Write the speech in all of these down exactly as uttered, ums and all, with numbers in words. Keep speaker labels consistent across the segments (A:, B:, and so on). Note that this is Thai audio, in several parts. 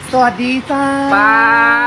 A: สวัสดีจ้า
B: ป้า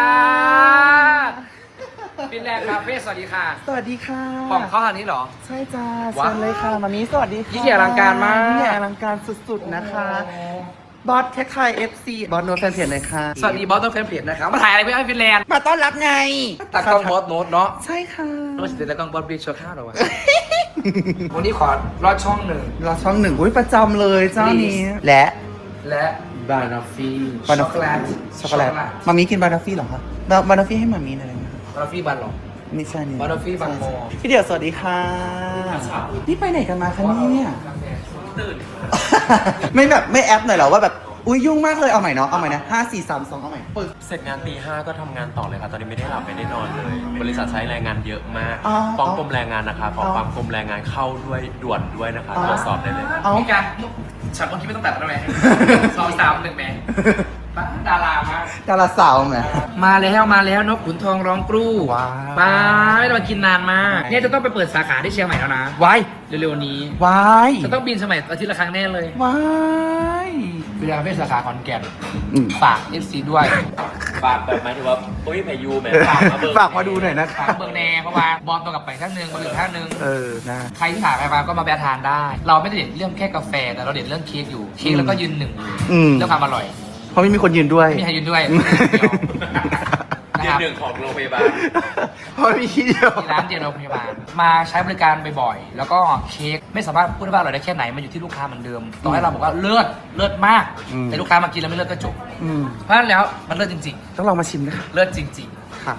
B: ฟินแลนด์คาเฟ่สวัสดีค่ะ
A: สวัสดีค่ะ
B: ของเขาอันนี้เหรอ
A: ใช่จ้าเชิญเลยค่ะมามีสวัสดีค่ะ
B: ยิ่งใหญ่อลังการมาก
A: ยิ่งใหญ่อลังการสุดๆนะคะบอสแคคไคเอฟซีบอสโน้ตแฟนเพจเลยค่ะ
B: สวัสดีบอสต้องแฟนเพจนะครับมาถ่ายอะไรไม่ให้ฟินแลนด์
A: มาต้อนรับไง
B: ตากล้องบอสโน้ตเนาะ
A: ใช่ค่ะ
B: โน้ตสิตากล้องบอสบิ๊กโชว์ข้าวเหรอวะ วันนี้ขอรอดช่องหนึ่ง
A: เราช่องหนึ่งอุ้ยประจำเลยเจ้านี้และ
B: และบานอฟฟี่
A: บานอฟฟี่ช็อกโกแลตมามีกินบานอฟฟี่หรอคะบานอฟฟี่ให้มามีหน่อยนะ
B: บานอฟฟี่บานหรอ
A: ไม่ใช่นี่
B: บานอฟฟี่บางโม
A: พี่เดี่ยวสวัสดีค่ะนี่ไปไหนกันมาคะเนี่ย
B: ตื่น
A: ไม่แบบไม่แอปหน่อยเหรอว่าแบบอุ้ยยุ่งมากเลยเอาใหม่เนาะเอาใหม่นะห้าสี่สามสองเอาใหม่ปึ๊บ
C: เสร็จงานตีห้าก็ทำงานต่อเลยครับตอนนี้ไม่ได้หลับไม่ได้นอนเลย บริษัทใช้แรงงานเยอะมาก
A: อ๋อ
C: ฟ้องกรมแรงงานนะคะขอ
A: อ๋อ
C: ความกรมแรงงานเข้าด้วยด่วนด้วยนะคะ
A: อ๋อ
C: ตรวจสอบได้เลย
A: เอา
B: พี่การฉันเมื่อกี้ไม่ต้องตัดแล้วไหมสองสามหนึ่งแม่ป้าดารามาก
A: ดาราสาวไหม
B: มาแล้วมาแล้วนกขุนทองร้องกรู
A: ว้าว
B: ป้าไม่ได้มากินนานมากเนี่ยจะต้องไปเปิดสาขาที่เชียงใหม่แล้วนะ
A: วาย
B: เร็วๆนี้
A: วาย
B: จะต้องบินสมัยอาทิตย์ละครั้งแน่เลยว
A: าย
B: เวลาเป็นสาขาขอนแก่น
A: อืม
B: ฝาก เอฟ ซี ด้วย
C: ฝากแบบหมายถึงว่าโอ้ยพายุแหมฝากมาเบิก
A: ฝากมาดูหน่อยนะ
B: ฝากเบิร์แน่เพราะว่าบอลตัวกับไปท่านหนึ่งบอลอื่นท่านหนึ่ง
A: เออนะ
B: ใครที่หาใครมาก็มาแวะทานได้ เราไม่ได้เด่นเรื่องแค่กาแฟแต่เราเด่นเรื่องเค้กอยู่เค้กแล้วก็ยืนหนึ่ง
A: อืม
B: เรื่องความอร่อย
A: เพราะไม่มีคนยืนด้วย
B: ไม่มีใครยืนด้วย
C: เดือนหนึ่งของโรงพยาบาล
A: เพราะมีที่เดียว
B: ที่ร้านเดียวโรงพยาบาลมาใช้บริการบ่อยๆแล้วก็เค้กไม่สามารถพูดได้ว่าอร่อยได้แค่ไหนมันอยู่ที่ลูกค้าเหมือนเดิมต่อให้เราบอกว่าเลิศเลิศมาก
A: อืม
B: แต่ลูกค้ามากินแล้วไม่เลิศก็จบ
A: อืม
B: เพราะฉะนั้นแล้วมันเลิศจริง
A: ต้องลองมาชิมนะคะ
B: ๆ เลิศจริง
A: ค่ะ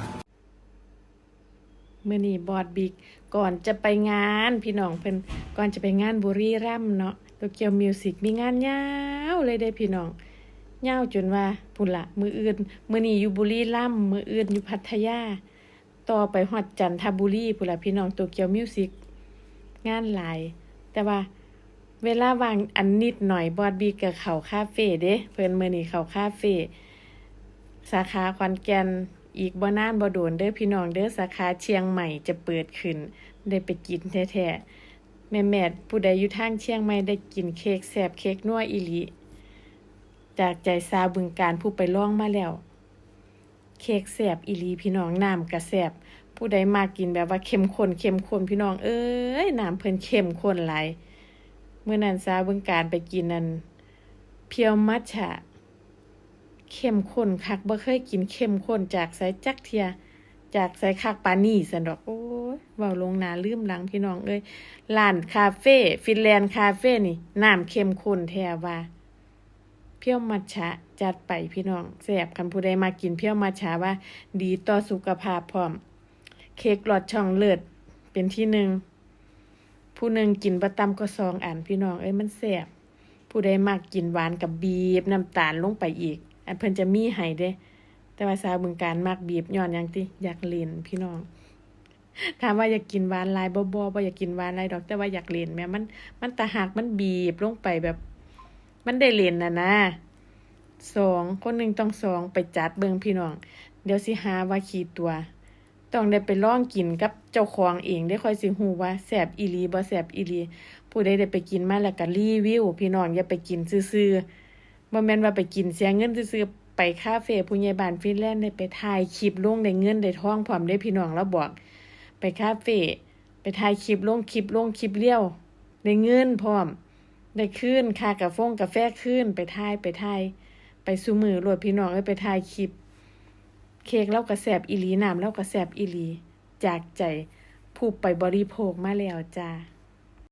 D: มื่อนี้บอดบิ๊กก่อนจะไปงานพี่น้องเพิ่นก่อนจะไปงานบุรีรัมย์เนาะโตเกียวมิวสิกมีงานยาวเลยเด้พี่น้องยาวจนว่าพุ่นละมืออื่นมื้อนี้อยู่บุรีรัมย์มื้ออื่นอยู่พัทยาต่อไปฮอดจันทบุรีพุ่นละพี่น้องโตเกียวมิวสิกงานหลาย แต่ว่าเวลาว่างอันนิดหน่อยบอดบิ๊กก็เข้าคาเฟ่เด้เพิ่นมื้อนี้เข้าคาเฟ่สาขาขอนแก่น อีกบ่นานบ่โดนเด้อพี่น้องเด้อสาขาเชียงใหม่จะเปิดขึ้นได้ไปกินแท้ๆแม่ๆผู้ใดอยู่ทางเชียงใหม่ได้กินเค้กแซ่บเค้กนัวอีหลีจากใจสาวบึงการผู้ไปลองมาแล้วเค้กแซ่บอีหลีพี่น้องน้ำก็แซ่บผู้ใดมากินแบบว่าเข้มข้นเข้มข้นพี่น้องเอ้ยน้ำเพิ่นเข้มข้นหลายเมื่อนั้นสาวบึงการไปกินนั่นเพียวมัทฉะเข้มข้นคักบ่เคยกินเข้มข้นจากไสจักเทียจากไสคักปานนี้ซั่นดอกโอ้ยเว้าลงหน้าลืมหลังพี่น้องเอ้ยร้านคาเฟ่ฟินแลนด์คาเฟ่นี่น้ำเข้มข้นแท้ว่าเพียวมัทฉะจัดไปพี่น้องแซ่บคันผู้ใดมากินเพียวมัทฉะว่าดีต่อสุขภาพพร้อมเค้กหลอดช่องเลิศเป็นที่หนึ่งผู้หนึ่งกินบ่ต่ำก็สองอันพี่น้องเอ้ยมันแซ่บผู้ใดมักกินหวานกับบีบน้ำตาลลงไปอีกอันเพิ่นจะมีให้เด้แต่ว่าสาวบึงการมักบีบย้อนหยังติอยากเล่นพี่น้องถามว่าอยากกินหวานหลายบ่บ่บ่อยากกินหวานหลายดอกแต่ว่าอยากเล่นแม่มันมันตะหักมันบีบลงไปแบบมันได้เล่นน่ะนะสองคนหนึงต้องสองไปจัดเบิ่งพี่น้องเดี๋ยวสิหาว่าขี้ตัวต้องได้ไปลองกินกับเจ้าของเองได้ค่อยสิฮู้ว่าแซ่บอีหลีบ่แซ่บอีหลีผู้ใดได้ไปกินมาแล้วก็รีวิวพี่น้องอย่าไปกินซื่อๆบ่แม่นว่าไปกินเสียเงินซื่อๆไปคาเฟ่ผู้ใหญ่บ้านฟินแลนด์ได้ไปถ่ายคลิปลงได้เงินได้ทองพร้อมได้พี่น้องแล้วบอกไปคาเฟ่ไปถ่ายคลิปลงคลิปลงคลิปเลี้ยวได้เงินพร้อมได้คืนค่ากาแฟกาแฟคืนไปถ่ายไปถ่ายไปซุมื้อโลดพี่น้องเอ้ยไปถ่ายคลิปเค้กแล้วก็แซ่บอีหลีน้ำแล้วก็แซ่บอีหลีจากใจผู้ไปบริโภคมาแล้วจ้า